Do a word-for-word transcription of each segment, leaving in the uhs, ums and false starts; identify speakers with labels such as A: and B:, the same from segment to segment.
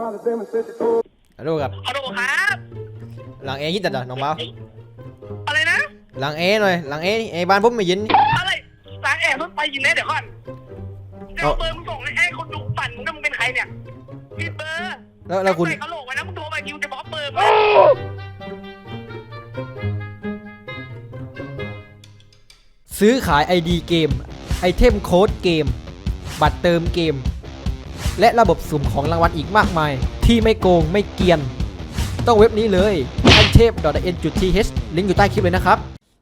A: ฮัลโหลครับ
B: ฮัลโหลครับ
A: หลังเอยิดแต่น้องเบา
B: อะไรนะ
A: หลังเอหน่อยหลังเอเอบ้านผมไม่ยิน
B: อะไรสายแอบเพิ่งไปยินแน่เดี๋ยวก่อนเดี๋ยวเบอร์มึงส่งให้คนดูปั่นมึงมึงเป็นใครเนี่ยผิดเบอร์
A: แล้วแล้วคุณ
B: ใส่กระโหลกไว้นะมึงโทรมาคิวจะบล็อกเบอร์
A: ซื้อขาย ไอ ดี เกมไอเทมโค้ดเกมบัตรเติมเกมและระบบสุ่มของรางวัลอีกมากมายที่ไม่โกงไม่เกียนต้องเว็บนี้เลย ไอเทม ดอท เอ็น จุด ที เอช ลิงก์อยู่ใต้คลิปเลยนะครับ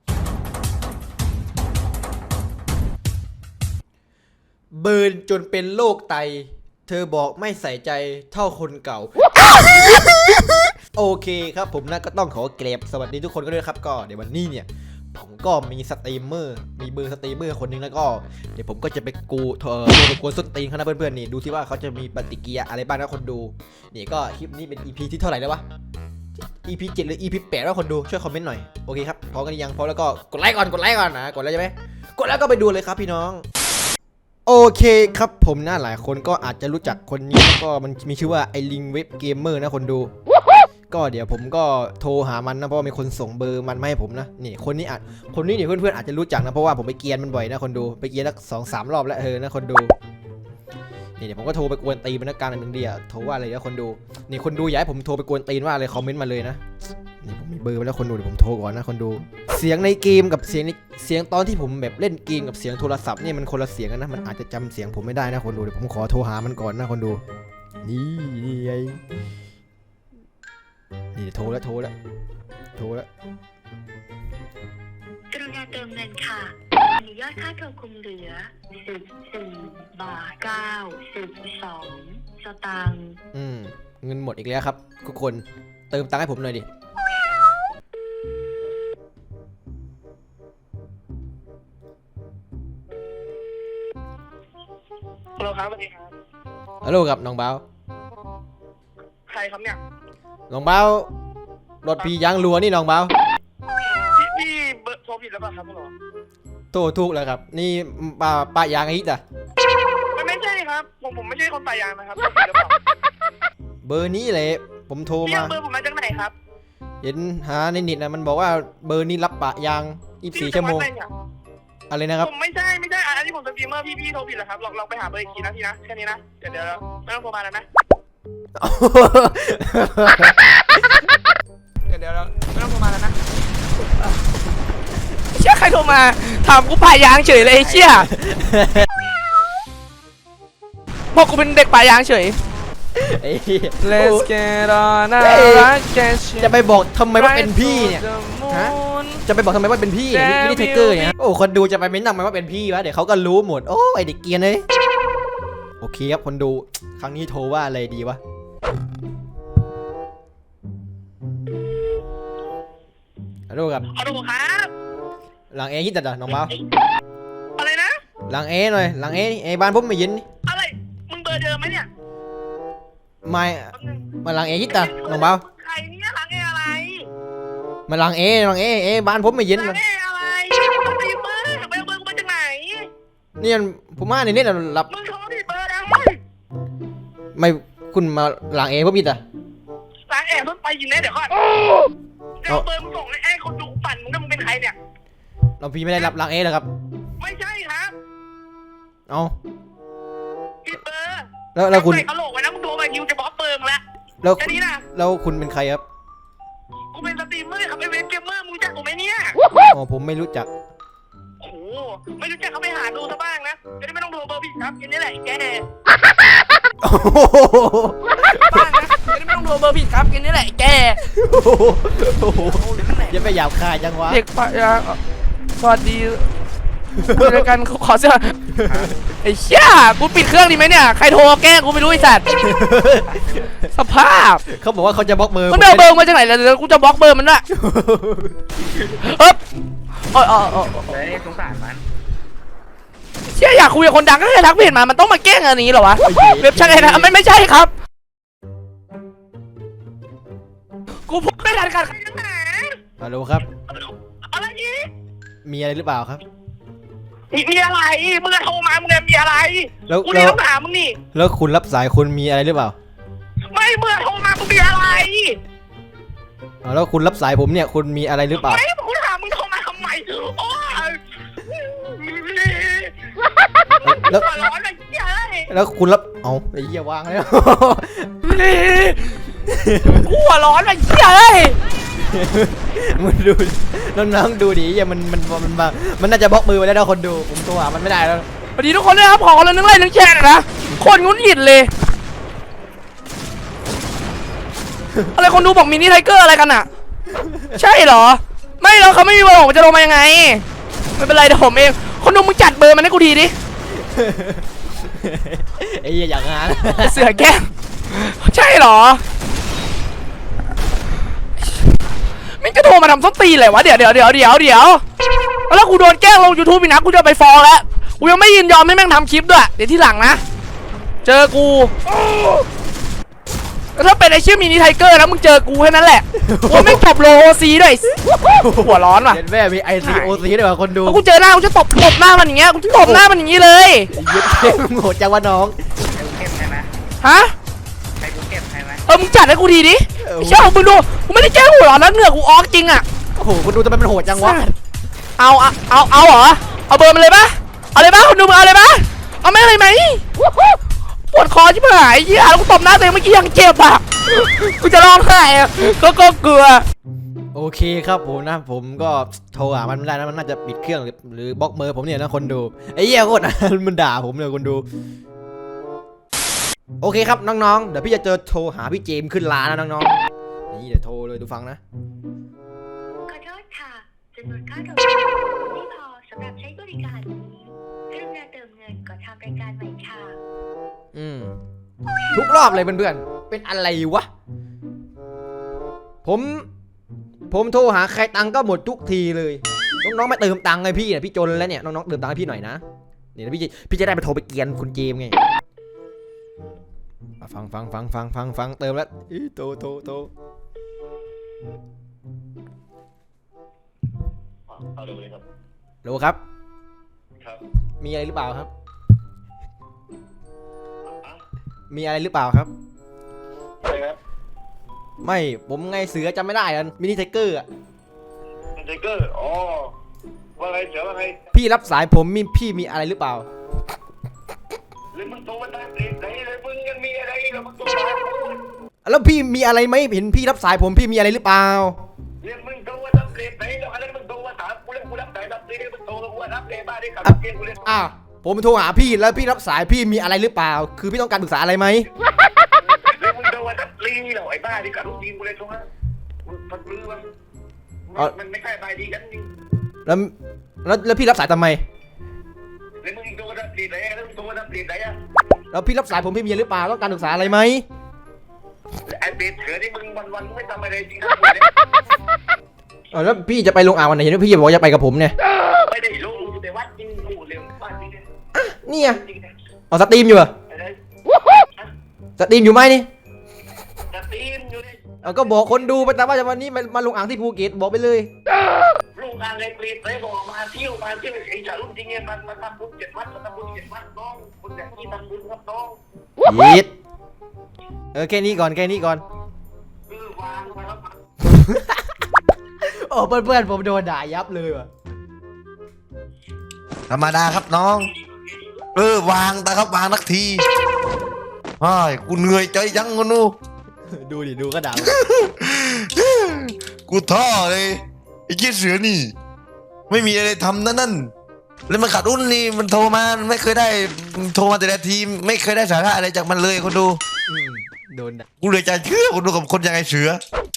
A: เบิร์นจนเป็นโรคไตเธอบอกไม่ใส่ใจเท่าคนเก่า โอเคครับผมนะก็ต้องขอเกรบสวัสดีทุกคนก็ด้วยครับก็เดี๋ยววันนี้เนี่ยผมก็มีสตรีมเมอร์มีเบอร์สตรีมเมอร์คนนึงแล้วก็เดี๋ยวผมก็จะไปกูเธอไปกวนส้นตีนเขานะเพื่อนๆนี่ดูที่ว่าเขาจะมีปฏิกิริยาอะไรบ้างนะคนดูนี่ก็คลิปนี้เป็น อี พี ที่เท่าไหร่แล้ววะ อี พี เจ็ดหรือ อี พี แปดว่าคนดูช่วยคอมเมนต์หน่อยโอเคครับพอกันยังพอแล้วก็กดไลค์ก่อนกดไลค์ก่อนนะกดแล้วใช่ไหมกดแล้วก็ไปดูเลยครับพี่น้องโอเคครับผมนะหลายคนก็อาจจะรู้จักคนนี้ก็มันมีชื่อว่าไอลิงเว็บเกมเมอร์นะคนดูก็เดี๋ยวผมก็โทรหามันนะเพราะว่ามีคนส่งเบอร์มันมาให้ผมนะนี่คนนี้อาจคนนี้เนี่ยเพื่อนๆอาจจะรู้จักนะเพราะว่าผมไปเกียนมันบ่อยนะคนดูไปเกียนสักสองสามรอบแล้วเออนะคนดูนี่เดี๋ยวผมก็โทรไปกวนตีนมันนะการหนึ่งเดียวโทรว่าอะไรนะคนดูนี่คนดูอยากให้ผมโทรไปกวนตีนว่าอะไรคอมเมนต์มาเลยนะนี่ผมมีเบอร์ไปแล้วคนดูเดี๋ยวผมโทรก่อนนะคนดูเสียงในเกมกับเสียงในเสียงตอนที่ผมแบบเล่นเกมกับเสียงโทรศัพท์นี่มันคนละเสียงกันนะมันอาจจะจำเสียงผมไม่ได้นะคนดูเดี๋ยวผมขอโทรหามันก่อนนะคนดูนี่นี่ไงนี่โทรแล้วโทรแล้วโทรแล้ว
C: กรุณาเติมเงินค่ะมียอดค่าโทรคงเหลือสิบสี่บาทเก้าสิบสองสตางค์
A: อืมเงินหมดอีกแล้วครับทุกคนเติมตังค์ให้ผมหน่อยดิ
B: ฮัลโหลครับสวัสดีครับ
A: ฮัลโหลครับน้องเบา
B: ใครครับเนี่ย
A: น้องเบารถพี่ยางรัวนี่น้องเบา
B: พี่พี่เบอร์โทรผิดแล้วป่ะครับพ่อ
A: โทรถูกแล้วครับนี่ป้าป้ายางไอ้จ้ะ
B: ไม่ไม่ใช่ครับผมผมไม่ใช่คนปายางนะครับ
A: เบอร์นี้เลยผมโทรมา
B: เบอร์ผมมาจากไหนครับ
A: เห็นหาในเน็ตนะมันบอกว่าเบอร์นี้รับปะยางยี่สิบสี่ชั่วโมงอะไรนะครับ
B: ผมไม่ใช่ไม่ใช่อันนี้ผมสตรีมเมอร์พี่พี่โทรผิดแล้วครับลองลองไปหาเบอร์อีกทีนะพี่นะแค่นี้นะเดี๋ยวเดี๋ยวไม่ต้องโทรมาแล้วนะเดี๋ยวเดี๋ยวไม่ต้องโทรมาแล้วนะเชี่ยใครโทรมาถามกูป่ายางเฉยเลยไอ้เชี่ยบอกกูเป็นเด็กป่ายางเฉย Let's get on
A: จะไปบอกทำไมว่าเป็นพี่เนี่ยฮะจะไปบอกทำไมว่าเป็นพี่ไม่ได้เทเกอร์เนี่ยโอ้คนดูจะไปเม้นทำไมว่าเป็นพี่วะเดี๋ยวเขาก็รู้หมดโอ้ไอเด็กเกียร์เลยโอเคครับคนดูครั้งนี้โทรว่าอะไรดีวะฮัลโหลครับ
B: ฮัลโหลครับ
A: หลังเอยิดแต่น้องเบา
B: อะไรนะ
A: หลังเอหน่อยหลังเอเอบ้านผมไม่ยิน
B: อะไรมึงเบอร์เดิมไหมเนี่ย
A: ไม่มาหลังเอยิดแต่น้องเบา
B: ใครเนี่ยหลังเออะไร
A: มาหลังเอหลังเอเอบ้านผมไม่ยิน
B: หลังเออะไรมึงตีเบอร์เบอร์เบอร์กูมาจากไหน
A: นี่ผมมาในนี้เราหลับ
B: มึงโทรผิดเบอร์แล้ว
A: ไม่คุณมาหลังเอผมยิดแต่
B: หลังเอเพิ่งไปยินแน่เดี๋ยวก่อนเดี๋ยวเบอร์มึงส่งให้คนดูปั่นมึงมึงเป็นใครเนี่ย
A: เราพี่ไม่ได้รับหลังเอหรอครับ
B: ไม่ใช่ครับ
A: เอา
B: ผิดเบอร์
A: แล้วแล้วคุณ
B: ใส่กระโหลกไว้นะมึงโทรมาคิวจะบล็อกเบอร์มึงแล้ว
A: แล้ว
B: แค่นี้นะ
A: แล้วคุณเป็นใครครับ
B: กูเป็นสตรีมเมอร์ครับเป็นเว็บเกมเมอร์มึงรู้จักกูไหมเนี่ย
A: อ๋อผมไม่รู้จัก
B: โอ้ไม่รู้จักเขาไปหาดูซะบ้างนะจะได้ไม่ต้องโทรเบอร์ผิดครับแค่นี้แหละแกบ้างนะจะได้ไม่ต้องโทรเบอร์ผิดครับแค่นี้แหละแก
A: ยังไม่หยาบคายจังวะ
B: เด็กปะยาสวัสดีคุยกันขอเสื้อไอ้เชี่ยกูปิดเครื่องดีไหมเนี่ยใครโทรแกล้งกูไม่รู้ไอ้สัตว์สภาพ
A: เขาบอกว่าเขาจะบล็อกเบอร์
B: มันเอาเบอร์มาจากไหนแล้วเดี๋ยวกูจะบล็อกเบอร์มันละเฮ้ยอ๋ออ๋ออ๋อสงสารมันเชี่ยอยากคุยกับคนดังก็แค่ทักเพจมามันต้องมาแกล้งอันนี้เหรอวะเว็บใช่ไหมนะไม่ไม่ใช่ครับกูพูดไม่ทันกัน
A: ฮัลโหลครับ
B: อะไรนี่
A: มีอะไรหรือเปล่าครับ
B: มีมีอะไรมึงจะโทรมามึงจะมีอะไร
A: แล้ว
B: กูนี่ต้องถามมึงนี่
A: แล้วคุณรับสายคุณมีอะไรหรือเปล่า
B: ไม่มึ
A: เอาแล้วคุณรับสายผมเนี่ยคุณมีอะไรหรือเปล่า
B: ไม่กูถามมึงโทรมาทำไมโอ้ย
A: แล้ว
B: หัวร้อนอะไรเหี้ยเลย
A: แล้วคุณรับเอาไอ้เหี้ยวางแล้ว
B: กูหัวร้อนอะไรเหี้ยเลย
A: มึงดูน้องๆดูดิเหี้ยมันมันมันมันมันน่าจะบล็อกมือไปแล้วนะคนดูผมตัวมันไม่ได้แล้ว
B: สวัสดีทุกคนด้วยครับขอคนละนึงไลค์นึงแชร์หน่อยนะคนงุนหงิดเลยอะไรคนดูบอกมินิไทเกอร์อะไรกันอ่ะใช่เหรอไม่แล้วเขาไม่มีเบอร์ผมจะลงมายังไงไม่เป็นไรเดี๋ยวผมเองคนดูมึงจัดเบอร์มันให้กูทีดิ
A: ไอ้เหี้ยอย่างงาน
B: เสือแก้มใช่เหรอไม่จะโทรมาทำส้นตีนเลยวะเดี๋ยวเดี๋ยวเดี๋ยวเดี๋ยวเดี๋ยวแล้วกูโดนแกล้งลง YouTube อีกนะกูจะไปฟ้องแล้วกูยังไม่ยินยอมให้แม่งทำคลิปด้วยเดี๋ยวที่หลังนะเจอกูแล้วถ้าเป็นไอชื่อมินิไทเกอร์นะมึงเจอกูแค่นั้นแหละกูไม่จบโลโอซีด้วยหัวร้อนว่ะ
A: เห็นแม่มีไอซีโอซีด้วยว่ะคนดู
B: แล้วกูเจอหน้ากูจะตบตบหน้ามันอย่างเงี้ยกูจะตบหน้ามันอย่างงี้เลย
A: เย็ดเท่โหดจังวะน้อง
D: เก็บใช่ไหม
B: ฮะ
D: ใครกูเก็บใช่ไหม
B: เออมึงจัดให้กูทีดิไอ้เชี่ยมึงดูกูไม่ได้แกล้งหัวร้อนนะเหงื่อกูออกจริงอ่ะ
A: โอ้โหคนดูทำไมมันโหดจังวะ
B: เอาเอาเอาเอาเหรอเอาเบอร์มันเลยปะเอาเลยปะคุณดูมึงเอาเลยปะเอาไม่เลยไหมปวดคอชิบหายเหี้ยแล้วกูตบหน้าตัวเองเมื่อกี้ยังเจ็บอ่ะกูจะร้องไห้อะก็ก็กลัว
A: โอเคครับผมนะผมก็โทรหามันไม่ได้นะมันน่าจะปิดเครื่องหรือหรือบล็อกเบอร์ผมเนี่ยนะคนดูไอ้เหี้ยโคตร มันด่าผมเลยคนดูโอเคครับน้องๆเดี๋ยวพี่จะเจอโทรหาพี่เจมส์ขึ้นร้านนะน้องๆนี่เดี๋ยวโทรเลยดูฟังนะ
C: ขอโทษค่ะจำนวนค่าโทรศัพท์ไม่พอสำหรับใช้บริการนี้กรุณาเติมเงินก่อนทำรายการใหม่ค่ะ
A: อืมทุกรอบเลยเพื่อนๆเป็นอะไรวะผมผมโทรหาใครตังค์ก็หมดทุกทีเลยน้องๆมาเติมตังค์ไงพี่เนี่ยพี่จนแล้วเนี่ยน้องๆเติมตังค์ให้พี่หน่อยนะเดี๋ยวพี่จะพี่จะได้ไปโทรไปเกียนคุณเจมส์ไงอ่ะฟังฟังฟังฟังฟังฟังเติมแล้วอีโตโตโต
E: เอาเลยครับ
A: โหลครับ
E: ครับ
A: มีอะไรหรือเปล่าครับ
E: อ่ะ
A: มีอะไรหรือเปล่าครับ
E: อะไรครับ
A: ไม่ผมไงเสือจำไม่ได้อะมินิไทเกอร์อะ
E: ไทเกอร์อ๋อว่าไงเสือว่าไง
A: พี่รับสายผมมีพี่มีอะไรหรือเปล่า
E: แล้วมึงโตมาตั้งแต่ไหนเลยมึงยังมีอะไรแล้วมึงโตมา
A: แล้วพี่มีอะไรไหมเห็นพี่รับสายผมพี่มีอะไรหรือเปล่า
E: เรียกมึงโตมาตั้งแต่ไหนแล้วอะไรมึงโตมาถามกูแล้วกูรับสายรับเลยมึงโตแล้วกูรับเลยบ้าได้ขับเกียร์กูเลย
A: อ้าวผมโทรหาพี่แล้วพี่รับสายพี่มีอะไรหรือเปล่า คือพี่ต้องการปรึกษาอะไรไหม
E: แล้วมึงโตมาตั้งลีแล้วไอ้บ้าที่ขับรถยิงกูเลยตรงนั้นมึงพัดมือมันมันไม่ใช่ใบดีกันจริง
A: แล้วแล้วแล้วพี่รับสายทำไม
E: แล้วมึงโตมาตั้งแต่ไหนแล้วมึงโตมาตั้งแต่ไหนอ่ะ
A: แล้วพี่รับสายผมพี่มีอะไรหรือเปล่าต้องการปรึกษาอะไรไหม
E: ไอ้เบสเสือที่มึงวันวันไม่ทำอะไรจริงนะ
A: อ๋อแล้วพี่จะไปลงอ่างวันไหนเห็นว่าพี่บอกจะไปกับผมเนี่ย
E: ไม่ได้รู้แต่ว่าจริงกูเร็วบ้านจริง
A: เนี่ยอ๋อสตรีมอยู่เหรอ
E: อะไร
A: สตรีมอยู่ไหมนี่
E: จะตีมอยู่เลย
A: เอาก็บอกคนดูไปแต่ว่าจะวันนี้มามาลงอ่างที่ภูเก็ตบอกไปเลย
E: ลูกงานเล็กเล็กเลยบอกมาเที่ยวมาเที่ยวไอ้ชารุ่นจริงเนี่ยมันมาทำบุญเจ็ดวัดมาทำบุญเจ็ดวัดน้องคุณแบบนี้ทำบุญครับน้อง
A: ยิดเออแค่นี้ก่อนแค่นี้ก่อน
E: คือวางมาแล้ว
A: โอ้เพื่อนๆผมโดนด่ายับเลยว่ะ
F: ธรรมดาครับน้อง เออวางแต่ครับวางนักทีไอ้ายกูเหนื่อยใจจังกูนู
A: ดูดิดูก็ด่า
F: กูท้อเลยไอ้เจี๊ยเสือนี่ ไม่มีอะไรทำนั่นนั่นแล้วมันขาดอุ้นนี่มันโทรมาไม่เคยได้โทรมาแต่ละทีไม่เคยได้สาระอะไรจากมันเลยคนดู
A: อืมโดนด่า
F: กูเลยจะเชื่อคนดูกับคนยังไงเสือ